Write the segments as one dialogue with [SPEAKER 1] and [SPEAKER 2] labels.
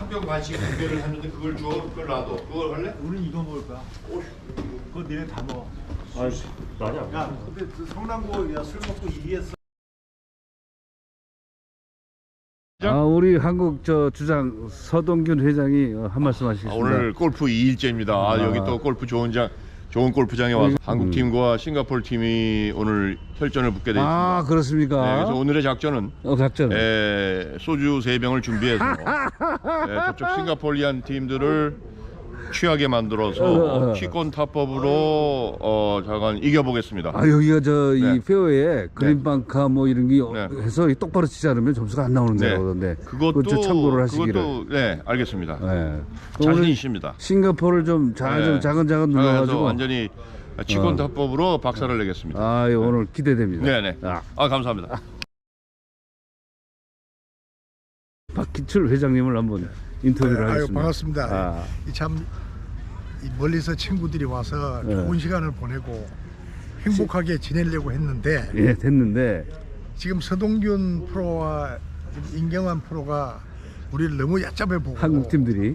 [SPEAKER 1] 상병 간식 준비를 했는데 그걸 줘. 그걸 놔둬. 그걸 할래?
[SPEAKER 2] 우리는 이거 먹을 거야. 그거 니네 다 먹어.
[SPEAKER 3] 아니야.
[SPEAKER 2] 야, 근데 그 성남고 야, 술 먹고 이기했어.
[SPEAKER 4] 우리 한국 주장 서동균 회장이 한 말씀 하시겠습니다.
[SPEAKER 1] 오늘 골프 2일째입니다. 여기 또 골프 좋은 골프장에 와서 한국 팀과 싱가포르 팀이 오늘 혈전을 붙게 되어 있습니다.
[SPEAKER 4] 그렇습니까?
[SPEAKER 1] 네, 그래서 오늘의 작전은 소주 3병을 준비해서 저쪽 싱가포르리안 팀들을 취하게 만들어서 취권 타법으로 잠깐 이겨보겠습니다.
[SPEAKER 4] 여기가 이 페어에 그린방카 뭐 이런 게 해서 똑바로 치지 않으면 점수가 안 나오는 데거든요.
[SPEAKER 1] 그것도
[SPEAKER 4] 참고를 하시기를.
[SPEAKER 1] 그것도 알겠습니다.
[SPEAKER 4] 네.
[SPEAKER 1] 자신 있습니다.
[SPEAKER 4] 싱가포르를 좀 자근자근 눌러가지고
[SPEAKER 1] 완전히 취권 타법으로 박살을 내겠습니다.
[SPEAKER 4] 오늘 기대됩니다.
[SPEAKER 1] 네네. 감사합니다.
[SPEAKER 4] 박기철 회장님을 한번 인터뷰를 하겠습니다.
[SPEAKER 2] 반갑습니다. 참 멀리서 친구들이 와서 좋은 시간을 보내고 행복하게 지내려고 했는데
[SPEAKER 4] 됐는데
[SPEAKER 2] 지금 서동균 프로와 임경환 프로가 우리를 너무 얕잡아 보고
[SPEAKER 4] 한국 팀들이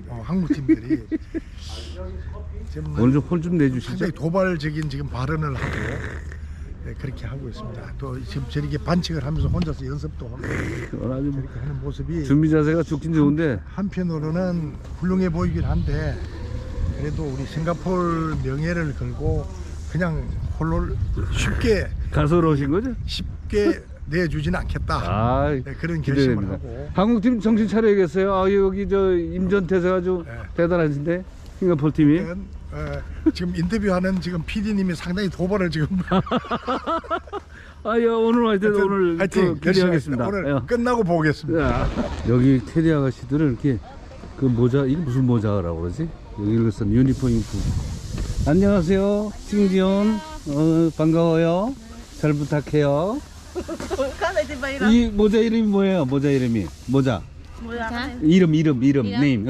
[SPEAKER 2] 지금
[SPEAKER 4] 오늘 좀 혼 좀 내주시죠.
[SPEAKER 2] 상당히 도발적인 지금 발언을 하고 그렇게 하고 있습니다. 또 지금 저렇게 반칙을 하면서 혼자서 연습도 하고 그렇게 하는 모습이
[SPEAKER 4] 준비 자세가 좋긴 좋은데
[SPEAKER 2] 한편으로는 훌륭해 보이긴 한데 그래도 우리 싱가포르 명예를 걸고 그냥 홀로 쉽게
[SPEAKER 4] 가소로우신 거죠?
[SPEAKER 2] 쉽게 내주지는 않겠다. 그런 결심을 하고.
[SPEAKER 4] 한국팀 정신 차려야겠어요. 여기 임전태세가 아주 대단하신데 싱가포르 팀이
[SPEAKER 2] 지금 인터뷰하는 지금 PD님이 상당히 도발을 지금
[SPEAKER 4] 오늘 하여튼
[SPEAKER 2] 하여튼
[SPEAKER 4] 기대하겠습니다.
[SPEAKER 2] 오늘 끝나고 보겠습니다.
[SPEAKER 4] 여기 테디 아가씨들은 이렇게 그 모자 이게 무슨 모자라고 그러지? 여기 이것은 유니폼 입고. 안녕하세요, 싱지온. 반가워요. 잘 부탁해요. 이 모자 이름이 뭐예요? 모자 이름이 모자. 이름 네임.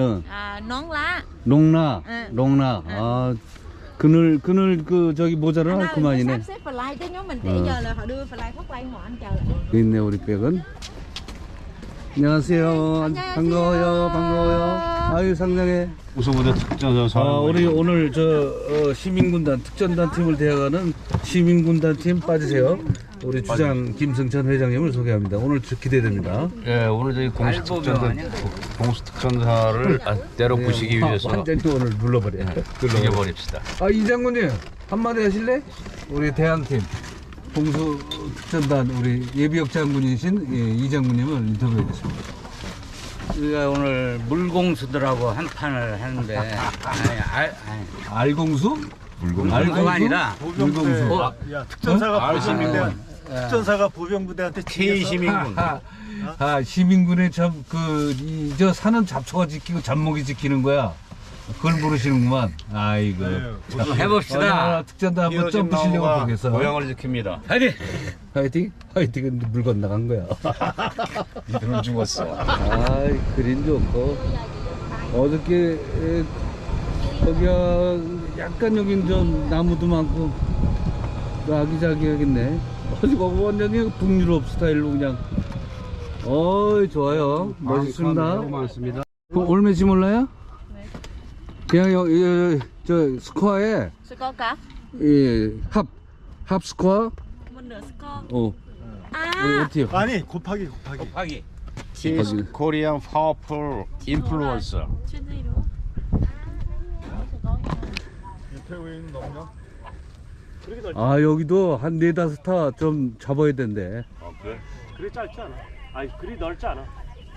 [SPEAKER 4] 롱라. 그늘 저기 모자를 할 그만이네. 있네 우리 백은. 안녕하세요. 반가워요. 상냥해.
[SPEAKER 3] 우승부대 특전사.
[SPEAKER 4] 우리 오늘 시민군단 특전단 팀을 대항하는 시민군단 팀 빠지세요. 우리 주장 김승찬 회장님을 소개합니다. 오늘 기대됩니다.
[SPEAKER 3] 오늘 저희 공수특전사를 때려 부시기 위해서
[SPEAKER 4] 완전히 오늘 눌러버려.
[SPEAKER 3] 죽여버립시다.
[SPEAKER 4] 이 장군님 한마디 하실래? 우리 대항팀 공수 특전단 우리 예비역 장군이신 이 장군님을 인터뷰하겠습니다.
[SPEAKER 5] 우리가 오늘 물공수들하고 한 판을 하는데
[SPEAKER 4] 알공수?
[SPEAKER 5] 물공수가 아니라
[SPEAKER 4] 물공수.
[SPEAKER 2] 특전사가 보병부대한테
[SPEAKER 5] K시민군.
[SPEAKER 4] 시민군의 저 사는 잡초가 지키고 잡목이 지키는 거야. 그걸 모르시는구만. 아이고.
[SPEAKER 5] 해봅시다.
[SPEAKER 4] 특전단 한번 점프시려고 보겠어.
[SPEAKER 5] 모양을 지킵니다.
[SPEAKER 4] 화이팅? 화이팅은 물 건너간 거야.
[SPEAKER 3] 이들은 죽었어.
[SPEAKER 4] 그린 좋고. 어저께 거기가 약간 여긴 좀 나무도 많고 아기자기하겠네. 거기 완전히 북유럽 스타일로 그냥. 좋아요. 멋있습니다.
[SPEAKER 3] 많습니다.
[SPEAKER 4] 올매지 몰라요? 그냥 저 스코어에 합 스코어 어때요?
[SPEAKER 2] 아니 곱하기
[SPEAKER 3] He's Korean powerful influencer.
[SPEAKER 4] 여기도 한 4-5타 좀 잡아야 된대.
[SPEAKER 3] 그래 짧지 않아. 그리 넓지 않아.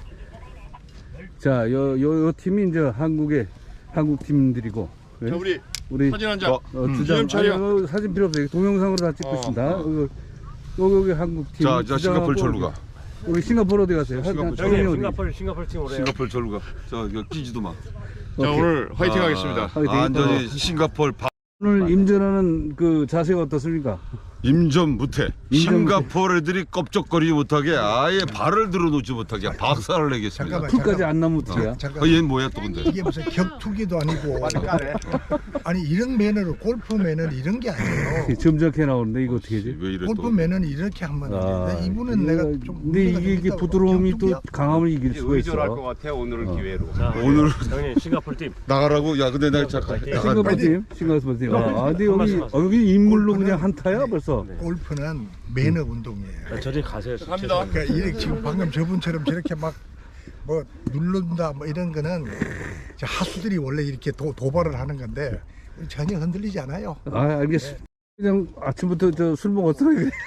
[SPEAKER 4] 자, 요 팀이 이제 한국 팀들이고.
[SPEAKER 1] 자, 우리 사진 한 장.
[SPEAKER 4] 주장 촬영. 사진 필요 없어요. 동영상으로 다 찍고 있습니다. 여기 한국 팀.
[SPEAKER 1] 자, 싱가포르 절로 가.
[SPEAKER 4] 우리 싱가포르 어디 가세요?
[SPEAKER 3] 싱가포르 팀 오래요.
[SPEAKER 1] 싱가포르 절로 가. 이거 끼지도 마. 자, 오늘 화이팅 하겠습니다.
[SPEAKER 4] 화이팅.
[SPEAKER 1] 완전히 싱가포르
[SPEAKER 4] 오늘 임전하는 그 자세가 어떻습니까?
[SPEAKER 6] 임전 무태.
[SPEAKER 4] 임전 무태.
[SPEAKER 6] 싱가포르 애들이 껍적거리지 못하게 아예 발을 들어놓지 못하게 박살을 내겠습니다.
[SPEAKER 2] 잠깐만.
[SPEAKER 4] 풀까지 안 나면 어떡해요?
[SPEAKER 2] 잠깐.
[SPEAKER 6] 얘는 뭐야 또 근데?
[SPEAKER 2] 이게 무슨 격투기도 아니고. 아니 이런 매너로 골프 매너는 이런 게 아니에요.
[SPEAKER 4] 점잖게 나오는데 이거 어떻게 하지?
[SPEAKER 6] 왜 이래
[SPEAKER 2] 골프
[SPEAKER 6] 또?
[SPEAKER 2] 매너는 이렇게 하면 안 돼. 이분은 내가 좀.
[SPEAKER 4] 근데 이게 부드러움이 또
[SPEAKER 2] 격투기야?
[SPEAKER 4] 강함을 이길 수가
[SPEAKER 3] 의존할 것
[SPEAKER 4] 있어.
[SPEAKER 3] 같아 오늘은 기회로.
[SPEAKER 6] 오늘
[SPEAKER 3] 형님 싱가포르 팀.
[SPEAKER 6] 나가라고? 야 근데 나 잠깐
[SPEAKER 4] 싱가포르 팀, 싱가포르 팀. 근데 여기 인물로 그냥 한타야 벌써.
[SPEAKER 2] 골프는 매너 운동이에요.
[SPEAKER 3] 저리 가세요.
[SPEAKER 1] 갑니다.
[SPEAKER 2] 그러니까 이렇게 지금 방금 저분처럼 저렇게 막 뭐 누른다 뭐 이런 거는 저 하수들이 원래 이렇게 도발을 하는 건데 전혀 흔들리지 않아요.
[SPEAKER 4] 알겠어. 그냥 아침부터 저 술 먹었어.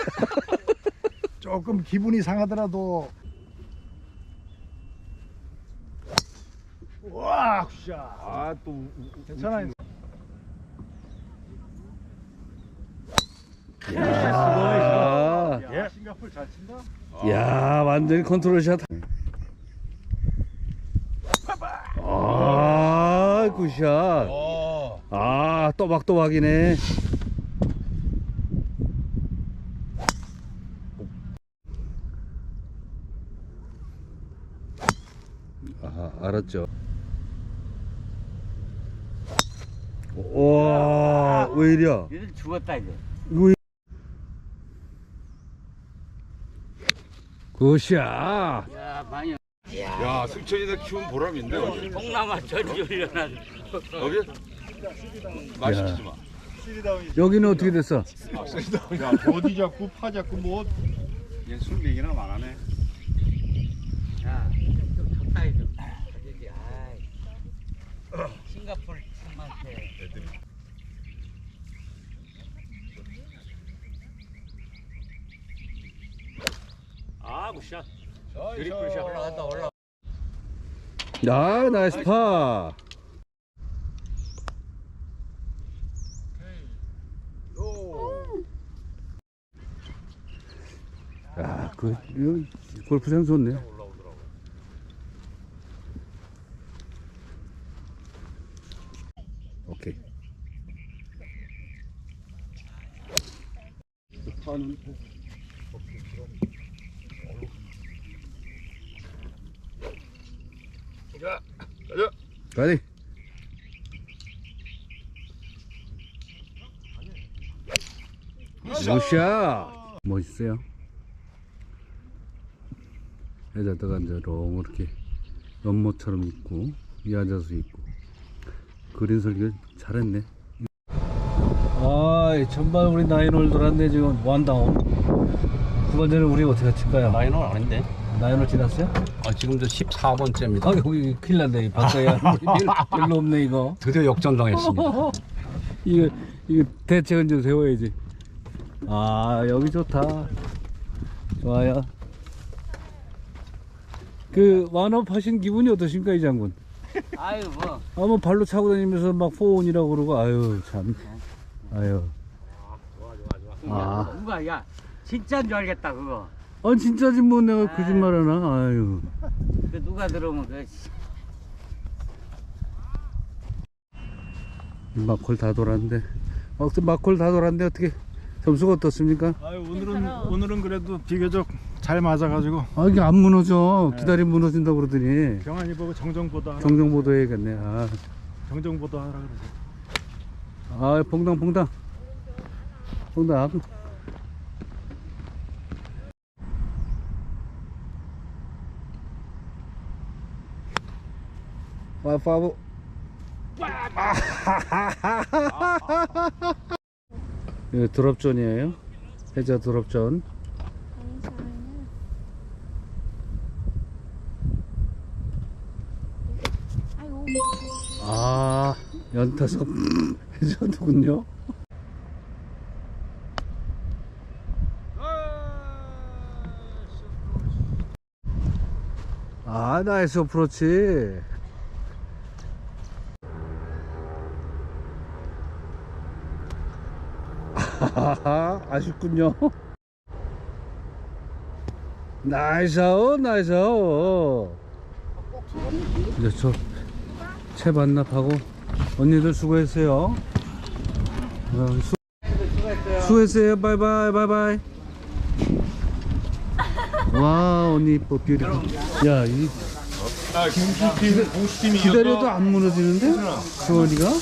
[SPEAKER 2] 조금 기분이 상하더라도 와, 굿샷.
[SPEAKER 3] 아또
[SPEAKER 2] 괜찮아요.
[SPEAKER 4] 야,
[SPEAKER 2] 싱가포르 잘 친다.
[SPEAKER 4] 야, 완전히 컨트롤샷. 굿샷. 또박또박이네. 알았죠. 와, 왜 이리야?
[SPEAKER 5] 얘들 죽었다 이제.
[SPEAKER 4] 이거 굿샷.
[SPEAKER 5] 야 많이.
[SPEAKER 6] 야 승천이네 키운 보람인데
[SPEAKER 5] 동남아 전지 훈련한.
[SPEAKER 6] 여기 맛있지 마.
[SPEAKER 4] 여기는 어떻게 됐어?
[SPEAKER 1] 야 버디 잡고 파 잡고 뭐
[SPEAKER 3] 얘술 얘기나 많아네.
[SPEAKER 5] 야, 좀 적당히 좀. 저기 아이. 싱가포르 팀한테.
[SPEAKER 3] 아 굿샷. 드리플샷 올라간다 올라.
[SPEAKER 4] 야, 나이스 파. 야, 이거 골프장 좋네. 오케이. 가리. 굿샷. 멋있어요. 해자다가 이제 롱 이렇게 연못처럼 있고 위 앉아서 있고 그린 설계 잘했네. 전반 우리 나인홀 돌았네. 지금 원다운. 후반전에 우리 어떻게 칠까요?
[SPEAKER 3] 나인홀 아닌데?
[SPEAKER 4] 나인홀 지났어요?
[SPEAKER 3] 지금 저 14번째입니다.
[SPEAKER 4] 여기 큰일 났네. 바꿔야 별로 없네 이거.
[SPEAKER 3] 드디어 역전당했습니다.
[SPEAKER 4] 이거 대책은 좀 세워야지. 여기 좋다. 좋아요. 그 완업 하신 기분이 어떠십니까 이 장군?
[SPEAKER 5] 아유 뭐.
[SPEAKER 4] 뭐 발로 차고 다니면서 막 포온이라고 그러고 아유 참. 아유.
[SPEAKER 5] 누가 야 진짜인 줄 알겠다 그거.
[SPEAKER 4] 진짜지 뭐 내가 거짓말하나. 아유.
[SPEAKER 5] 그 누가 들으면 그.
[SPEAKER 4] 막콜 다 돌았는데. 막콜 다 돌았는데 어떻게 점수가 어떻습니까?
[SPEAKER 7] 오늘은 그래도 비교적 잘 맞아가지고
[SPEAKER 4] 이게 안 무너져. 기다리면 무너진다고 그러더니.
[SPEAKER 7] 경환이 보고 정정보도
[SPEAKER 4] 정정보도 해야겠네.
[SPEAKER 7] 정정보도 하라 그러죠.
[SPEAKER 4] 퐁당. 파보. 이거 드롭존이에요. 해자 드롭존. 연타석 해자도군요. 나이스 어프로치. 아쉽군요. 나이스 아웃. 이제 저 채 반납하고 언니들 수고했어요. 수고했어요. 바이바이 바이바이. 와 언니 이뻐 뷰티. 야 이 기다려도 안 무너지는데? 경원이가?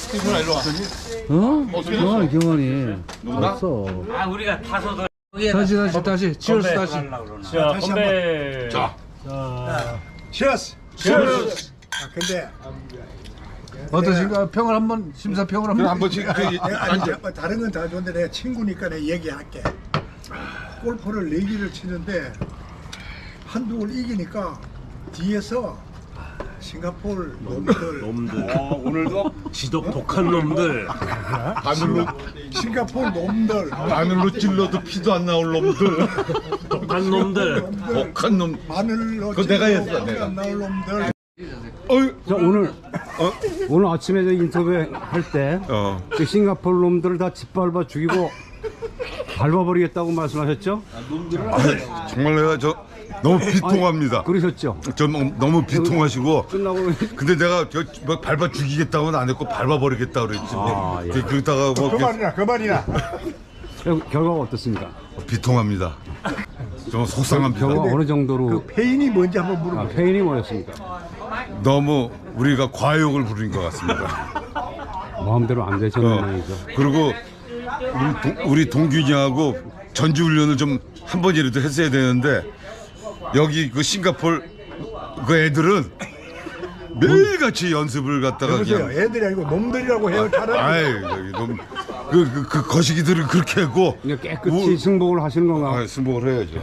[SPEAKER 4] 어? 경원이 알았어.
[SPEAKER 5] 아 우리가 타서도
[SPEAKER 4] 다시 치얼스 다시.
[SPEAKER 7] 자, 건배.
[SPEAKER 1] 자,
[SPEAKER 2] 치어스. 치어스. 아 근데
[SPEAKER 4] 어떠신가? 평을 한번 심사평을 한번.
[SPEAKER 1] 한 번씩
[SPEAKER 2] 아니 다른 건 다 좋은데 내가 친구니까 내가 얘기할게. 골프를 4개를 치는데 한두 걸 이기니까 뒤에서 싱가포르 놈들
[SPEAKER 3] 오늘도 지독 독한 놈들.
[SPEAKER 1] 바늘로
[SPEAKER 2] 싱가포르 놈들
[SPEAKER 1] 바늘로 찔러도 피도 안 나올 놈들.
[SPEAKER 3] 독한 놈들.
[SPEAKER 1] 독한 놈.
[SPEAKER 2] 마늘로
[SPEAKER 1] 그거 내가 했어,
[SPEAKER 2] 찔러도
[SPEAKER 1] 내가.
[SPEAKER 2] 안 나올 놈들.
[SPEAKER 4] 자, 오늘 아침에 저 인터뷰 할때 그 싱가포르 놈들을 다 짓밟아 죽이고 밟아버리겠다고 말씀하셨죠?
[SPEAKER 6] 정말 내가 저 너무 비통합니다.
[SPEAKER 4] 그러셨죠?
[SPEAKER 6] 너무 비통하시고.
[SPEAKER 4] 끝나고
[SPEAKER 6] 근데 내가 뭐 밟아 죽이겠다고는 안 했고 밟아버리겠다 그랬지.
[SPEAKER 4] 예.
[SPEAKER 6] 그러다가 뭐
[SPEAKER 2] 그 말이나.
[SPEAKER 4] 결과가 어떻습니까?
[SPEAKER 6] 비통합니다. 좀 속상합니다.
[SPEAKER 4] 결과가 어느 정도로
[SPEAKER 2] 그 페인이 뭔지 한번 물어봐.
[SPEAKER 4] 페인이 뭐였습니까?
[SPEAKER 6] 너무 우리가 과욕을 부린 것 같습니다.
[SPEAKER 4] 마음대로 안 되셨는 모양이죠.
[SPEAKER 6] 그리고 우리 동균이하고 전지훈련을 좀 한 번이라도 했어야 되는데 여기 그 싱가포르 그 애들은 매일같이 연습을 갖다가
[SPEAKER 2] 여보세요.
[SPEAKER 6] 그냥
[SPEAKER 2] 애들이 아니고 놈들이라고 해요. 차라리.
[SPEAKER 6] 아이 여기 너무 그 거시기들을 그렇게 했고
[SPEAKER 4] 그냥 깨끗이 승복을 하시는 건가?
[SPEAKER 6] 승복을 해야죠.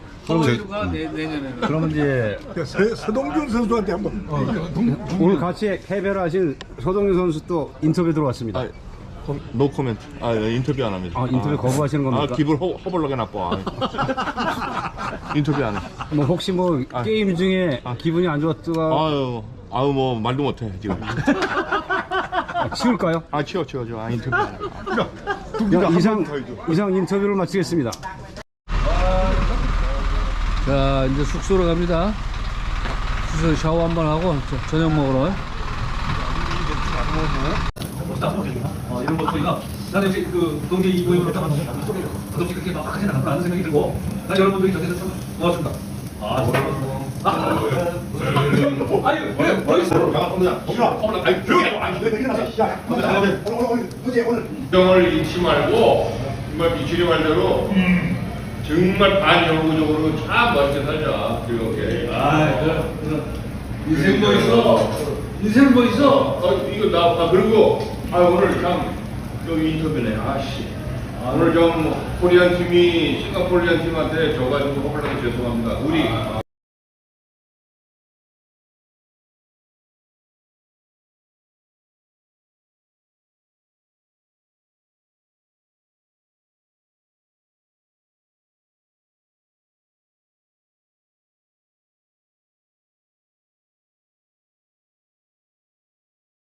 [SPEAKER 4] 그러면 이제
[SPEAKER 2] 서동준 선수한테 한번.
[SPEAKER 4] 오늘 같이 패배를 하신 서동윤 선수 또 인터뷰 들어왔습니다.
[SPEAKER 1] 노 코멘트. 인터뷰 안 합니다.
[SPEAKER 4] 아, 인터뷰 거부하시는 겁니까?
[SPEAKER 1] 기분 허벌나게 나빠. 인터뷰 안 해.
[SPEAKER 4] 뭐 혹시 뭐 게임 중에 기분이 안 좋았다가
[SPEAKER 1] 아유 뭐 말도 못해 지금.
[SPEAKER 4] 치울까요?
[SPEAKER 1] 치워. 인터뷰 안 해.
[SPEAKER 4] 야, 이상 인터뷰를 마치겠습니다. 자 이제 숙소로 갑니다. 숙소 샤워 한번 하고 저녁 먹으러. 이런 것들이가 나는 이제 그 동계 이부임으로 조금씩 그렇게 막 하지 않을까 생각이 들고 나 여러분들이 저기서 참 고맙습니다.
[SPEAKER 1] 정을 잃지 말고 정말 미치리 말대로 정말 반영구적으로 참 멋있게 살자. 즐겁게. 인생 뭐 있어? 인생 뭐 있어? 이거 나 그리고 오늘 참 여기 인터뷰네. 오늘 좀 코리안 팀이 싱가포르리안 팀한테 져가지고 허벌나게 죄송합니다. 우리